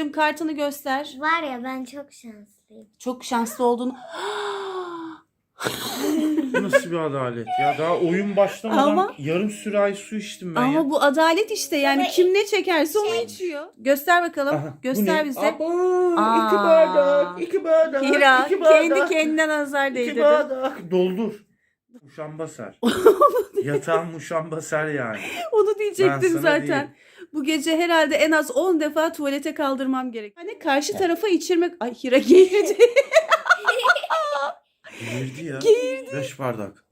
Kartını göster. Var ya, ben çok şanslıyım. Çok şanslı olduğunu. Bu nasıl bir adalet ya? Daha oyun başlamadan Ama- yarım sürahi su içtim ben Ama ya. bu adalet işte, yani Ama kim ne çekerse onu içiyor. Göster bakalım. Aha, bu Göster ne? bize. Aba, Aa. 2 bardak, 2 bardak, Hira 2 bardak, kendi kendine nazar 2 değdirdi. bardak. Doldur. Muşambasar. Yatağın muşambasar yani. Onu Ben diyecektim sana zaten. diyeyim. Bu gece herhalde en az 10 defa tuvalete kaldırmam gerek. Hani karşı tarafa içirmek... Ay Hira geğirdi. Geğirdi ya. 5 bardak.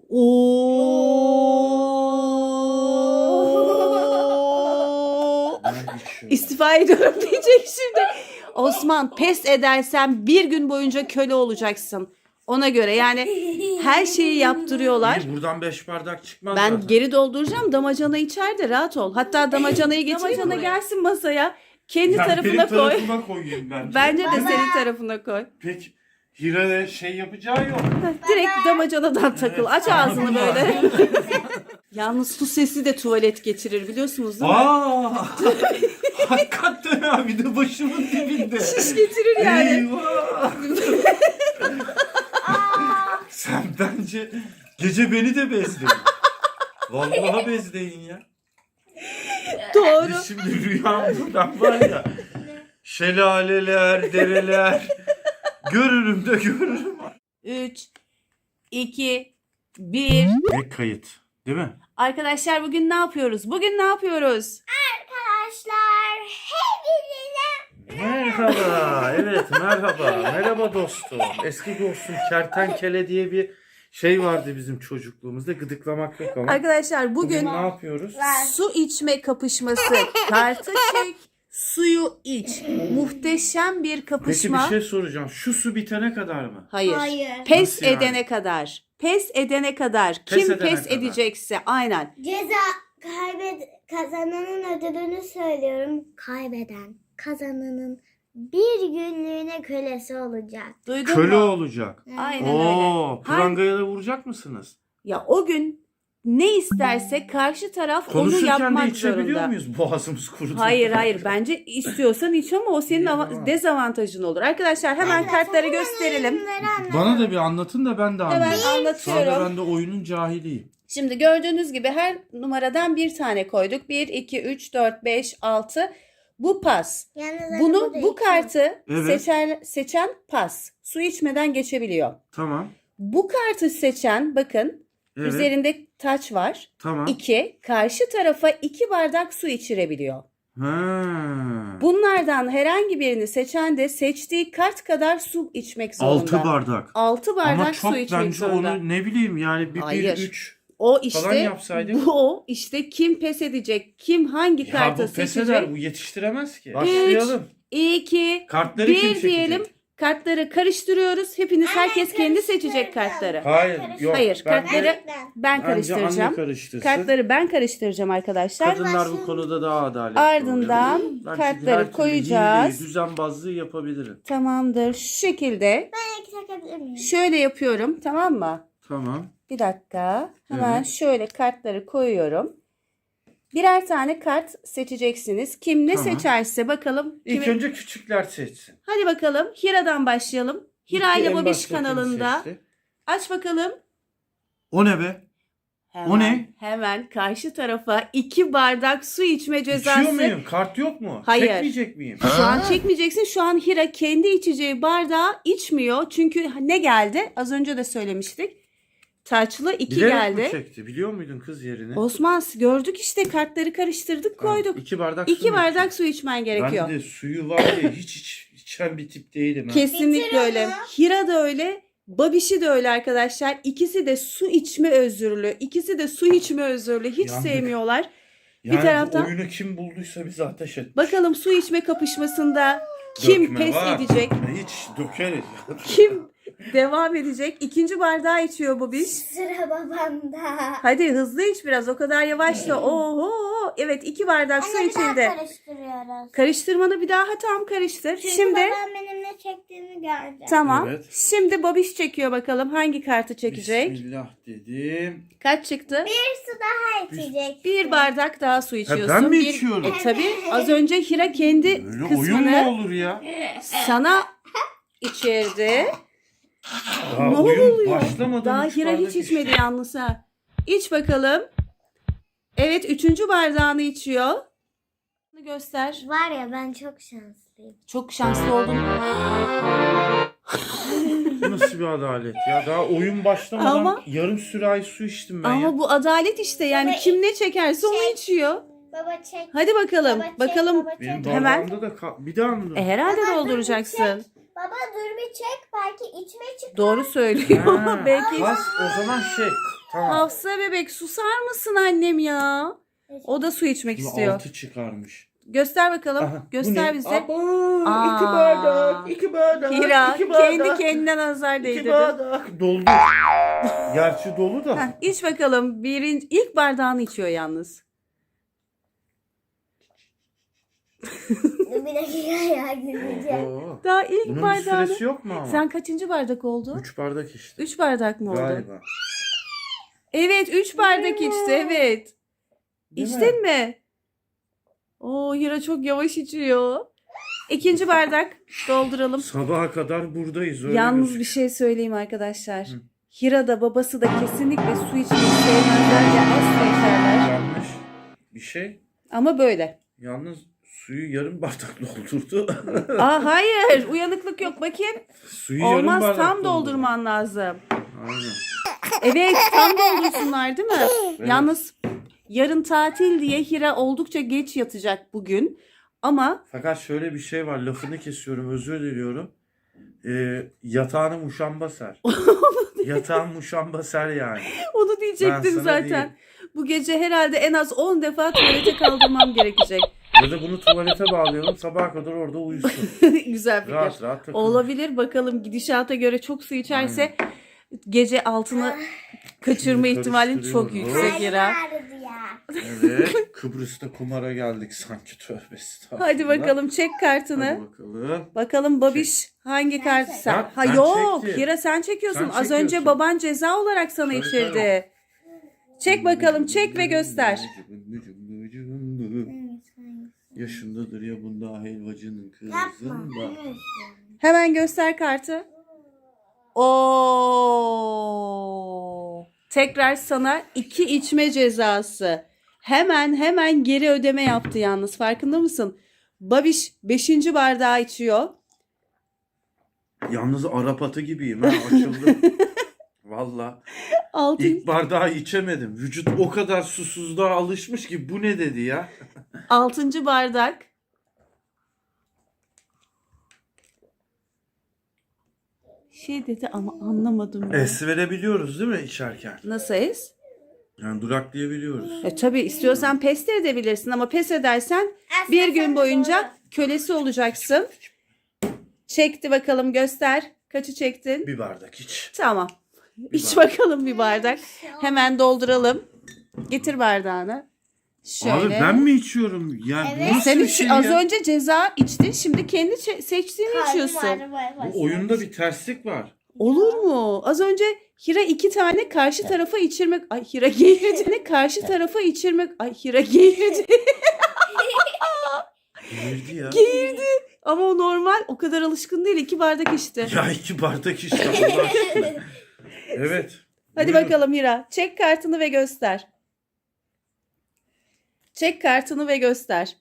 Oo. Ben içiyorum. İstifa ediyorum diyecek şimdi. Osman, pes edersen bir gün boyunca köle olacaksın. Ona göre yani her şeyi yaptırıyorlar. İyi, buradan 5 bardak çıkmaz Ben zaten. geri dolduracağım. Damacana içeride, rahat ol. Hatta damacanayı getireyim. Damacana gelsin masaya. Kendi Ya tarafına benim koy. tarafıma koyayım bence. Bence de senin tarafına koy. Pek Hira'ya şey yapacağı yok. Direkt damacanadan takıl. Aç ağzını Tamam. böyle. Yalnız su sesi de tuvalet getirir, biliyorsunuz değil mi? Aa! Hakikaten abi de başımın dibinde. Şiş getirir yani. Eyvah! Sen bence gece beni de bezleyin. Vallahi bezleyin ya. Doğru. Biz şimdi rüyamda ben var ya. Şelaleler, dereler. Görürüm de görürüm. 3, 2, 1. Ve kayıt. Değil mi? Arkadaşlar bugün ne yapıyoruz? Bugün ne yapıyoruz? Arkadaşlar, hepinize Merhaba. Evet merhaba. Merhaba dostum. Eski dostum kertenkele diye bir şey vardı bizim çocukluğumuzda. Gıdıklamak yok ama. Arkadaşlar bugün ne yapıyoruz? su içme kapışması. Kartı çek, suyu iç. Muhteşem bir Peki kapışma. bir şey soracağım. Şu su bitene kadar mı? Hayır. Hayır. Pes Nasıl yani? edene kadar. Pes edene kadar. Pes Kim edene pes kadar. edecekse aynen. Kazananın ödülünü söylüyorum. Kazananın bir günlüğüne kölesi olacak. Duydun Köle mu? olacak. Aynen Oo, öyle. prangaya da vuracak mısınız? Ya o gün ne isterse karşı taraf onu Konuşurken de yapmak içebiliyor zorunda. muyuz? Boğazımız kurudu. Hayır bence istiyorsan iç ama o senin Tamam. dezavantajın olur. Arkadaşlar hemen kartları gösterelim. Bana da bir anlatın da ben de Hemen anlayayım. Sonra anlatıyorum. ben de oyunun cahiliyim. Şimdi gördüğünüz gibi her numaradan bir tane koyduk. 1, 2, 3, 4, 5, 6. Bu pas. Bu kartı Evet. seçen pas. Su içmeden geçebiliyor. Tamam. Bu kartı seçen, bakın, Evet. üzerinde taç var. Tamam. 2, karşı tarafa 2 bardak su içirebiliyor. Ha. Bunlardan herhangi birini seçen de seçtiği kart kadar su içmek zorunda. 6 bardak. 6 bardak Ama çok su içmek bence zorunda. onu ne bileyim yani bir Hayır. 3 O falan işte yapsaydık. bu işte kim pes edecek, kim hangi Ya kartı bu pes seçecek. eder, bu yetiştiremez ki. Başlayalım. 2, Kartları 1 kim çekecek? diyelim. Kartları karıştırıyoruz. Hepiniz, herkes kendi seçecek kartları. Hayır, yok. Hayır, bence- kartları ben bence anne karıştıracağım. karıştırsın. Kartları ben karıştıracağım arkadaşlar. Kadınlar bu konuda daha adaletli Ardından oluyor. Ben çünkü kartları her türlü koyacağız. hileyi, düzenbazlığı yapabilirim. Tamamdır. Şu şekilde şöyle yapıyorum, tamam mı? Tamam. Bir dakika. Hemen Evet. şöyle kartları koyuyorum. Birer tane kart seçeceksiniz. Kim ne Tamam. seçerse bakalım. İlk önce küçükler seçsin. Hadi bakalım. Hira'dan başlayalım. Hira İlk ile en Babiş baştakini kanalında. seçti. Aç bakalım. O ne be? Hemen, O ne? Hemen karşı tarafa 2 bardak su içme cezası. İçiyor muyum? Kart yok mu? Hayır. Çekmeyecek miyim? Şu an çekmeyeceksin. Şu an Hira kendi içeceği bardağı içmiyor. Çünkü ne geldi? Az önce de söylemiştik. Taçlı 2 Bilerek geldi. mi çekti? Biliyor muydun kız yerini? Osman, gördük işte, kartları karıştırdık, koyduk. 2 bardak 2 mu bardak içecek? su içmen gerekiyor. Ben de suyu var ya hiç içen bir tip değilim. Ha. Kesinlikle Bitir öyle. onu. Hira da öyle. Babişi de öyle arkadaşlar. İkisi de su içme özürlü. İkisi de su içme özürlü. Hiç Yandık. sevmiyorlar. Yani bir taraftan- bu oyunu kim bulduysa bizi ateş et. Bakalım su içme kapışmasında kim Dökme pes var. edecek? Hiç dökeriz. Kim Devam edecek. İkinci bardağı içiyor Babiş. Sıra babamda. Hadi hızlı iç biraz. O kadar yavaşla. Oho. Evet 2 bardak su Anne bir daha içildi. karıştırıyoruz. Karıştırmanı bir daha tam karıştır. Çünkü Şimdi babam benim ne çektiğimi gördü. tamam. Evet. Şimdi Babiş çekiyor bakalım. Hangi kartı çekecek? Bismillah dedim. Kaç çıktı? Bir su daha içecek. Bir bardak daha su içiyorsun. ben mi Bir- içiyorum? Tabii. Az önce Hira kendi Böyle oyun mu kısmını olur ya? sana içirdi. Daha Ne oyun oluyor? başlamadan Daha üç Hira bardak hiç içmedi içtim. yalnız ha. İç bakalım. Evet 3. bardağını içiyor. Göster. Var ya ben çok şanslıyım. Çok şanslı oldun. Bu nasıl bir adalet ya? Daha oyun başlamadan Ama- yarım sürahi su içtim ben Ama ya. bu adalet işte yani Baba, kim ne çekerse onu çek. içiyor. Baba çek. Hadi bakalım. Baba çek, Bakalım. baba çek. Benim Hemen. bardağımda da bir daha mı? Herhalde Baba, dolduracaksın. Baba dur bir çek. Belki içme çık. Doğru söylüyor. Ha, Belki bas, o zaman tamam. Hafsa bebek susar mısın annem ya? O da su içmek Şimdi istiyor. 6 çıkarmış. Göster bakalım. Aha, bu Göster ne? bize. Aba, Aa. 2 bardak, 2 bardak. Hira 2 bardak, kendi kendine nazar 2 değdirdi. bardak. Doldu. Gerçi dolu da. Heh, iç bakalım. İlk bardağını içiyor yalnız. Dur bir dakika ya güleceğim. Oo. Daha ilk Bunun bir bardağını. süresi yok mu ama? Sen kaçıncı bardak oldu? 3 bardak işte. 3 bardak mı oldu? Galiba. Evet 3 bardak içti evet. Değil İçtin mi? Oo Hira çok yavaş içiyor. İkinci bardak dolduralım. Sabaha kadar buradayız. Öyle Yalnız gözüküyor. bir şey söyleyeyim arkadaşlar. Hı. Hira da babası da kesinlikle su içmeyi sevmezler ya asla içerler. Yanlış bir şey. Ama böyle. Yalnız suyu yarım bardak doldurdu. Aa hayır uyanıklık yok bakayım. Suyu yarım Olmaz bardak tam doldurdu. doldurman lazım. Aynen. Evet tam doldursunlar değil mi? Evet. Yalnız yarın tatil diye Hira oldukça geç yatacak bugün. Ama Fakat şöyle bir şey var. Lafını kesiyorum. Özür diliyorum. Yatağını muşamba ser. Yatağın muşamba ser yani. onu Ben diyecektim sana zaten. diyeyim. Bu gece herhalde en az 10 defa tuvalete kaldırmam gerekecek. Ya da bunu tuvalete bağlayalım. Sabaha kadar orada uyusun. Güzel fikir. Rahat rahat takılır. Olabilir bakalım gidişata göre çok su içerse gece altını kaçırma Şimdi ihtimalin çok karıştırıyorum. yüksek Hira. Ağrıdı ya. Evet. Kıbrıs'ta kumara geldik sanki, tövbe estağfurullah. Hadi bakalım çek kartını. Hadi bakalım. Bakalım Babiş hangi kartı sen? Ya, Ha ben yok çektim. Hira sen çekiyorsun. Sen Az çekiyorsun. önce baban ceza olarak sana Tabii, içirdi. Çek bakalım çek ve göster. Yaşındadır ya bunda helvacının Yapma. kızında. Hemen göster kartı. Oo. Tekrar sana 2 içme cezası. Hemen geri ödeme yaptı yalnız. Farkında mısın? Babiş 5. bardağı içiyor. Yalnız Arap atı gibiyim ha, açıldım. Valla. 6. İlk bardağı içemedim. Vücut o kadar susuzluğa alışmış ki bu ne dedi ya. 6. bardak. Şey dedi ama anlamadım. Ben. Es verebiliyoruz değil mi içerken? Nasıl es? Yani duraklayabiliyoruz. Tabii istiyorsan pes de edebilirsin ama pes edersen bir gün boyunca kölesi olacaksın. Çekti bakalım göster. Kaçı çektin? Bir bardak iç. Tamam. İç bardak. bakalım bir bardak. Hemen dolduralım. Getir bardağını. Şöyle. Abi ben mi içiyorum? Yani bu Evet. nasıl Sen bir şey az ya? önce ceza içtin. Şimdi kendi seçtiğini içiyorsun. Bu oyunda bir terslik var. Olur mu? Az önce Hira 2 tane karşı tarafa içirmek. Ay Hira geğirdi. Karşı tarafa içirmek. Ay Hira geğirdi. Girdi ya. Geğirdi. Ama o normal. O kadar alışkın değil. 2 bardak içti. Ya 2 bardak işte Allah aşkına. Evet. Hadi Buyurun. bakalım Hira. Çek kartını ve göster. Çek kartını ve göster.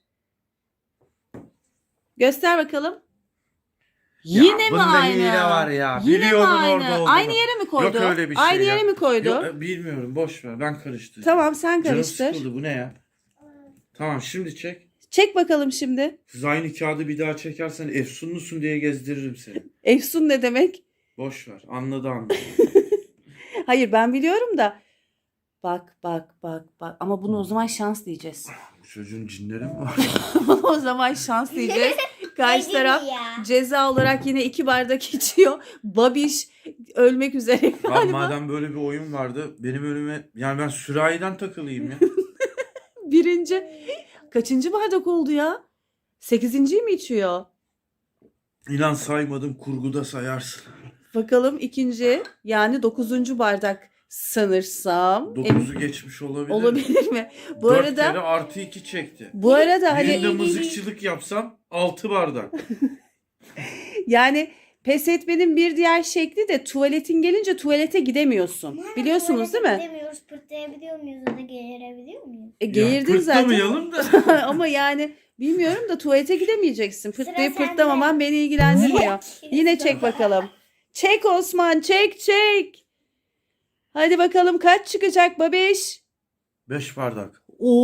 Göster bakalım. Ya Yine mi bunda aynı? hile var ya. Yine mi Biliyordum aynı? orada olduğunu. Aynı yere mi koydu? Yok öyle bir şey Aynı ya. yere mi koydu? Yok, bilmiyorum, boş ver, ben karıştırdım. Tamam sen Canım karıştır. sıkıldı, bu ne ya? Tamam şimdi çek. Çek bakalım şimdi. Siz aynı kağıdı bir daha çekersen efsunlusun diye gezdiririm seni. Efsun ne demek? Boş ver, anladı anladı. Hayır ben biliyorum da. Bak. Ama bunu o zaman şans diyeceğiz. Bu çocuğun cinleri mi var? O zaman şans diyeceğiz. Karşı Ne taraf gibi ya? ceza olarak yine 2 bardak içiyor. Babiş ölmek üzere Lan galiba. madem böyle bir oyun vardı benim önüme yani ben sürahiden takılayım ya. Birinci. Kaçıncı bardak oldu ya? 8.'yi mi içiyor? İnan saymadım, kurguda sayarsın. Bakalım ikinci, yani 9. bardak sanırsam. 9'u geçmiş olabilir. Olabilir mi? Bu 4 arada kere artı 2 çekti. hani Birinde mızıkçılık yapsam 6 bardak. yani pes etmenin bir diğer şekli de tuvaletin gelince tuvalete gidemiyorsun. Biliyorsunuz değil mi? Gidemiyoruz, pırtlayabiliyor muyuz ya da geğirebiliyor muyuz? Geğirdin Ya, zaten. pırtlamayalım da. Ama yani bilmiyorum da tuvalete gidemeyeceksin. Pırtlayıp sende. pırtlamaman beni ilgilendirmiyor. Yine çek bakalım. Çek Osman, çek. Hadi bakalım kaç çıkacak babiş? 5 bardak.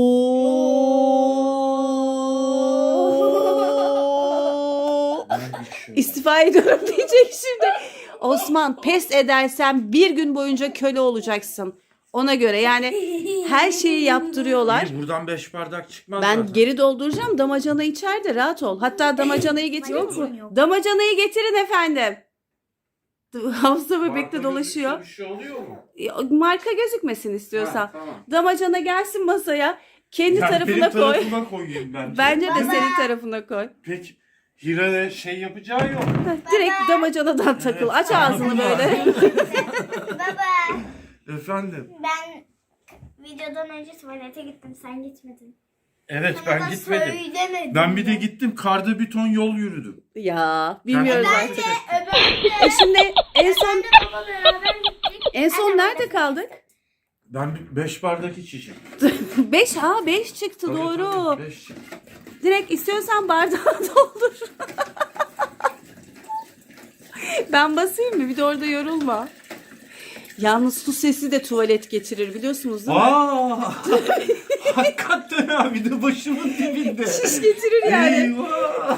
Oo. Ben içiyorum. İstifa ediyorum diyecek şimdi. Osman, pes edersen bir gün boyunca köle olacaksın. Ona göre yani her şeyi yaptırıyorlar. İyi, buradan 5 bardak çıkmaz Ben zaten. geri dolduracağım. Damacana içeride, rahat ol. Hatta damacanayı getirin. Damacana yok. Damacanayı getirin efendim. Hafsa bebekte Marka dolaşıyor. Bir şey oluyor mu? Marka gözükmesin istiyorsan. Ha, tamam. Damacana gelsin masaya. Kendi Yani tarafına benim koy. tarafıma koyayım bence. Bence de senin tarafına koy. Peki Hira'ya şey yapacağı yok. Direkt damacanadan takıl. Aç ağzını böyle. Baba, Efendim. ben videodan önce tuvalete gittim, sen gitmedin. Evet Sana ben da gitmedim. söylemedim. Ben bir de gittim karda bir ton yol yürüdüm. Ya bilmiyoruz Kendime artık. teşekkür- Şimdi en son Baba beraber gittik. en son nerede kaldık? Ben 5 bardak içeceğim. 5 çıktı doğru. 5. Direkt istiyorsan bardağı doldur. Ben basayım mı? Bir de orada yorulma. Yalnız su sesi de tuvalet getirir biliyorsunuz değil mi? Hakikaten abi de başımın dibinde. Şiş getirir yani. Eyvah.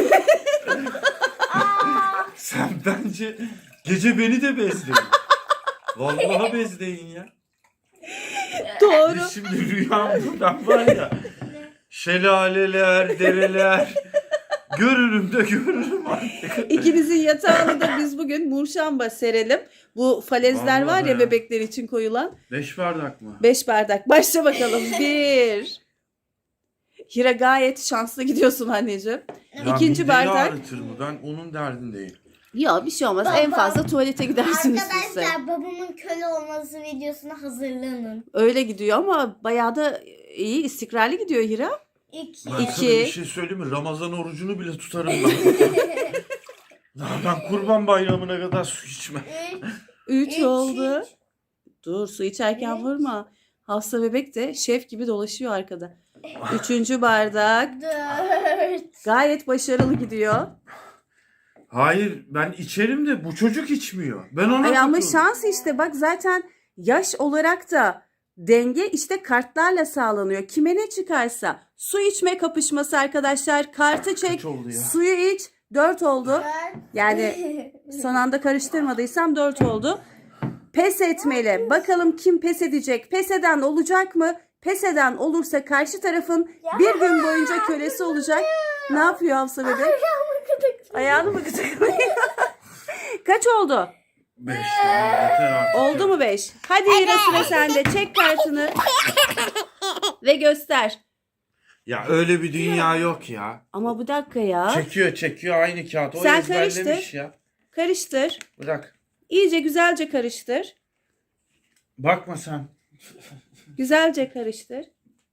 Sen bence gece beni de bezleyin. Vallahi bezleyin ya. Doğru. Biz şimdi rüyamda var ya. Şelaleler, dereler. Görürüm de görürüm artık. İkinizin yatağını da biz bugün murşamba serelim. Bu falezler Vallahi var ya ya. bebekler için koyulan. 5 bardak mı? 5 bardak. Başla bakalım. 1. Hira gayet şanslı gidiyorsun anneciğim. Ya İkinci mideyi bardak. ağrıtır mı? Ben onun derdindeyim. Ya bir şey olmaz. En fazla tuvalete gidersiniz siz de. Arkadaşlar, babamın köle olması videosuna hazırlanın. Öyle gidiyor ama bayağı da iyi, istikrarlı gidiyor Hira. 2. Ben sana İki. bir şey söyleyeyim mi? Ramazan orucunu bile tutarım ben. Daha ben kurban bayramına kadar su içmem. 3 Üç. oldu. Dur, su içerken Evet. vurma. Hafsa bebek de şef gibi dolaşıyor arkada. 3. bardak. 4. Gayet başarılı gidiyor. Hayır ben içerim de bu çocuk içmiyor. Ben ona Ay ama takıldım. şans işte bak zaten yaş olarak da denge işte kartlarla sağlanıyor. Kime ne çıkarsa. Su içme kapışması arkadaşlar. Kartı çek. Kaç oldu ya? Suyu iç. 4 oldu. Yani son anda karıştırmadıysam 4 oldu. Pes etmeli. Bakalım kim pes edecek? Pes eden olacak mı? Pes eden olursa karşı tarafın bir gün boyunca kölesi olacak. Ne yapıyor Hafsa bebek? Ayağını mı gıdıklıyor? Kaç oldu? 5 tamam yeter artık. Oldu mu 5? Hadi yine sıra sende. Çek kartını. Ve göster. Ya öyle bir dünya yok ya. Ama bu dakika ya. Çekiyor aynı kağıt. O Sen ezberlemiş karıştır. ya. Karıştır. Bırak. İyice güzelce karıştır. Bakma sen. Güzelce karıştır.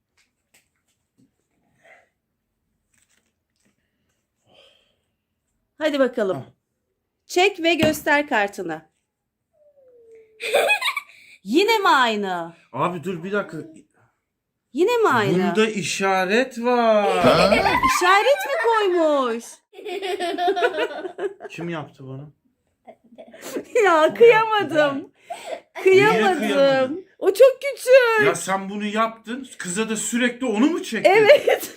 Hadi bakalım. Ah. Çek ve göster kartını. Yine mi aynı? Abi dur bir dakika. Yine mi aynı? Bunda işaret var. İşaret mi koymuş? Kim yaptı bunu? Ya kıyamadım. Kıyamadım. kıyamadın? O çok küçük. Ya sen bunu yaptın. Kıza da sürekli onu mu çektin? Evet.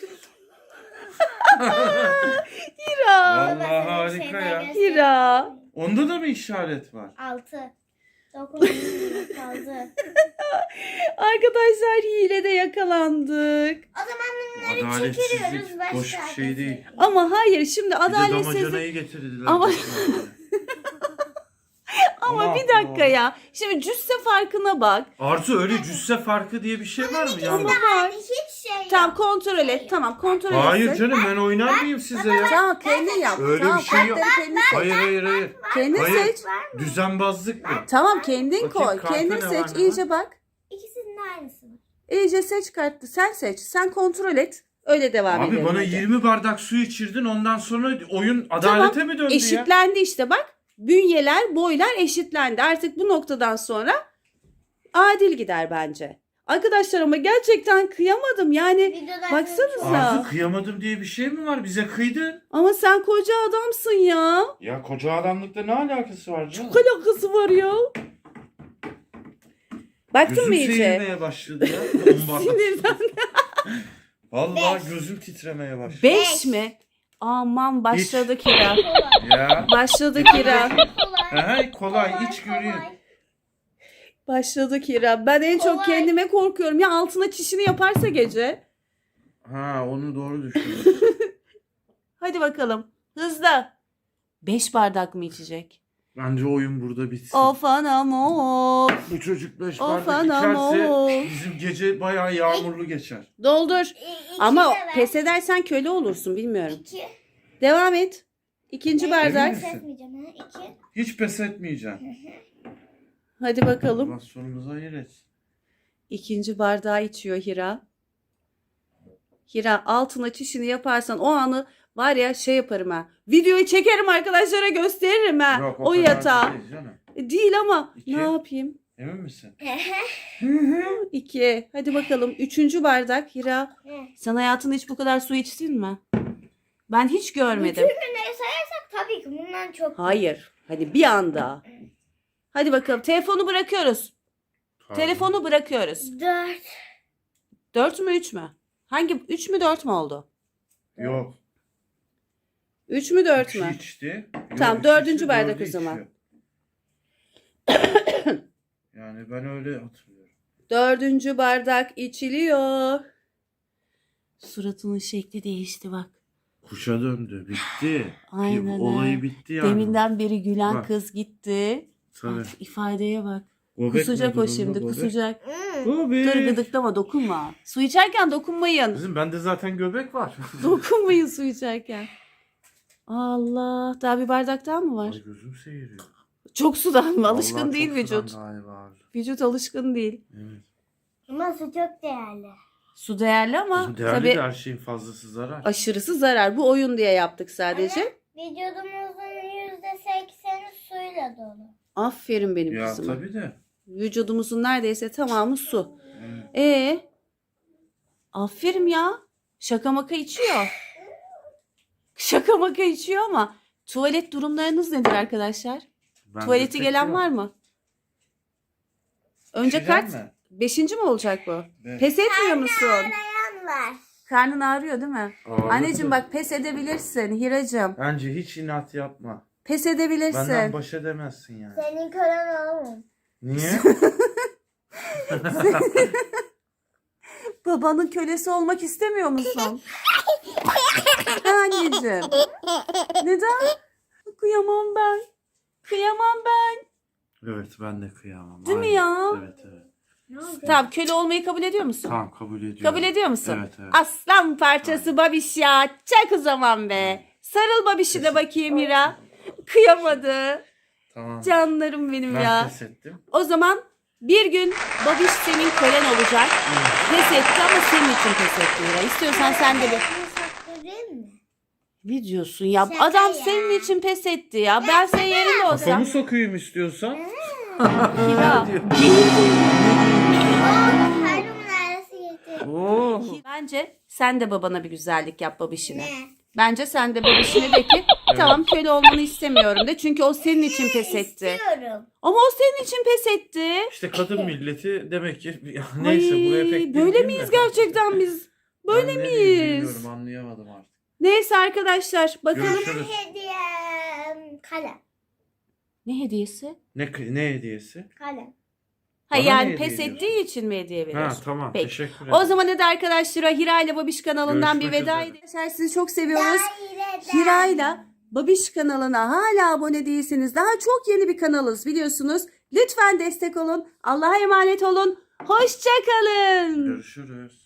Hira. Vallahi harika ya. Hira. Onda da mı işaret var? 6. Dokunduğum kaldı. Arkadaşlar hilede yakalandık. O zaman bunları Adaletsizlik çekiliyoruz. Başka boş bir şey değil. Ama hayır şimdi Bir de adaletsizlik. damacanayı getirdiler. Ama- başına. Ama bir dakika ya. Şimdi cüsse farkına bak. Arzu öyle cüsse farkı diye bir şey var mı ya? Var. Hiç şey yok. Tamam kontrol et. Tamam kontrol et. Hayır canım ben oynar mıyım size ya? Tamam kendin yap. Öyle tamam, bir şey yok. kartları kendin seç. Hayır. Kendin Hayır. seç. Düzenbazlık mı? Tamam kendin Bakayım koy. kartı Kendin ne var, seç. ne İyice bak. İkisinin de aynısı var. İyice seç kartı. Sen seç. Sen kontrol et. Öyle devam edelim. Abi bana hadi. 20 bardak su içirdin ondan sonra oyun adalete mi döndü ya? Eşitlendi işte bak. Bünyeler, boylar eşitlendi. Artık bu noktadan sonra adil gider bence. Arkadaşlar ama gerçekten kıyamadım. Yani Videoda baksanıza. Arzu kıyamadım diye bir şey mi var? Bize kıydın. Ama sen koca adamsın ya. Ya koca adamlıkla ne alakası var canım? Çok alakası var ya. Baktın Gözüm mı iyice? seyirmeye başladı ya. Sinirden. Vallahi gözüm titremeye başladı. 5 mi? Aman başladı Kira. Ya. Başladı Kira. Kolay iç göreyim. Başladı Kira. Ben en çok Kolay. kendime korkuyorum. Ya altına çişini yaparsa gece. Ha onu doğru düşündüm. Hadi bakalım. Hızlı. 5 bardak mı içecek? Bence oyun burada bitsin. Of anam of. Bu çocuk 5 Of bardak anam, içerse of. bizim gece bayağı yağmurlu geçer. Doldur. İki Ama de ver. pes edersen köle olursun bilmiyorum. 2. Devam et. İkinci bardak. Emin misin? Etmeyeceğim ha. 2. Hiç pes etmeyeceğim. Hadi bakalım. Allah sonumuzu hayır etsin. İkinci bardağı içiyor Hira. Hira altına çişini yaparsan o anı var ya şey yaparım ha. Videoyu çekerim arkadaşlara gösteririm ha. Yok, o kadar yatağı. değil canım. Değil ama İki. ne yapayım? Emin misin? 2. Hadi bakalım. Üçüncü bardak Hira. Sen hayatında hiç bu kadar su içtin mi? Ben hiç görmedim. Bütün günleri sayarsak tabii ki bundan çok. Hayır. Hadi bir anda. Hadi bakalım. Telefonu bırakıyoruz. Tamam. Telefonu bırakıyoruz. 4. 4 mü 3 mü? Hangi 3 mü 4 mü oldu? Yok. 3 mü 4 Üçü mü? içti. Tamam, Yok, dördüncü ikisi, bardak dördü o zaman. içiyor. Yani ben öyle hatırlıyorum. Dördüncü bardak içiliyor. Suratının şekli değişti bak. Kuşa döndü. Bitti. Aynen Olayı ha. bitti yani. Deminden beri gülen Bak. kız gitti. Tabii. Bak, ifadeye bak. Gobek Kusacak mi o durumda, şimdi gobek? kusacak. Gobek. Dur gıdıklama dokunma. Su içerken dokunmayın. Kızım bende zaten göbek var. Dokunmayın su içerken. Allah daha bir bardak daha mı var? Ay gözüm seyiriyor. Çok sudan mı? Alışkın Vallahi değil çok vücut. sudan galiba. Vücut alışkın değil. Evet. Ama su çok değerli. Su değerli ama Kızım değerli tabii de her şeyin fazlası zarar. aşırısı zarar. Bu oyun diye yaptık sadece. Vücudumuzun %80'i suyla dolu. Aferin benim Ya kızıma. tabii de. Vücudumuzun neredeyse tamamı su. Evet. Aferin ya. Şaka maka içiyor. Şaka maka içiyor ama tuvalet durumlarınız nedir arkadaşlar? Bende Tuvaleti pek gelen yok. var mı? Önce İçeceğim kart. mi? 5. mi olacak bu? Evet. Pes etmiyor musun? Dayan var. Karnın ağrıyor değil mi? Ağrıyor Anneciğim tabii. bak pes edebilirsin Hiracığım. Bence hiç inat yapma. Pes edebilirsin. Benden baş edemezsin yani. Senin kölen oğlum. Niye? Babanın kölesi olmak istemiyor musun? Anneciğim. Neden? Kıyamam ben. Kıyamam ben. Evet ben de kıyamam. Değil mi Aynen. ya? Evet evet. Ne oldu? Tamam köle olmayı kabul ediyor musun? Tamam kabul ediyorum. Kabul ediyor musun? Evet evet. Aslan parçası babiş ya. Çak o zaman be. Sarıl babişine bakayım Hira. Kıyamadı. Tamam. Canlarım benim Ben ya. pes ettim. O zaman bir gün babiş senin kölen olacak. Pes etti ama senin için pes etti Hira. İstiyorsan sen de bir... Değil mi? Ne diyorsun ya? Şaka Adam ya. senin için pes etti ya. Ben senin yerinde olsam. Kafamı sokayım istiyorsan. Hira. Kalbimin arası gitti. Oo. Bence sen de babana bir güzellik yap babişine. Ne? Bence sen de babişine de ki tamam köle olmanı istemiyorum de. Çünkü o senin için pes etti. İstiyorum. Ama o senin için pes etti. İşte kadın milleti demek ki neyse Ay, buraya pek böyle gireyim miyiz de. gerçekten biz? Böyle Ben ne diyeyim miyiz? bilmiyorum, anlayamadım artık. Neyse arkadaşlar bakalım. Görüşürüz. Hediyem kalem. Ne hediyesi? Ne hediyesi? Kalem. Ha Bana ne yani hediye pes ediyorsun? ettiği için mi hediye Ha veriyorsun? tamam, Peki. teşekkür ederim. O zaman hadi arkadaşlar Hira ile Babiş kanalından Görüşmek bir veda üzere. edelim. Arkadaşlar sizi çok seviyoruz. Hira ile Babiş kanalına hala abone değilseniz daha çok yeni bir kanalız biliyorsunuz. Lütfen destek olun. Allah'a emanet olun. Hoşça kalın. Görüşürüz.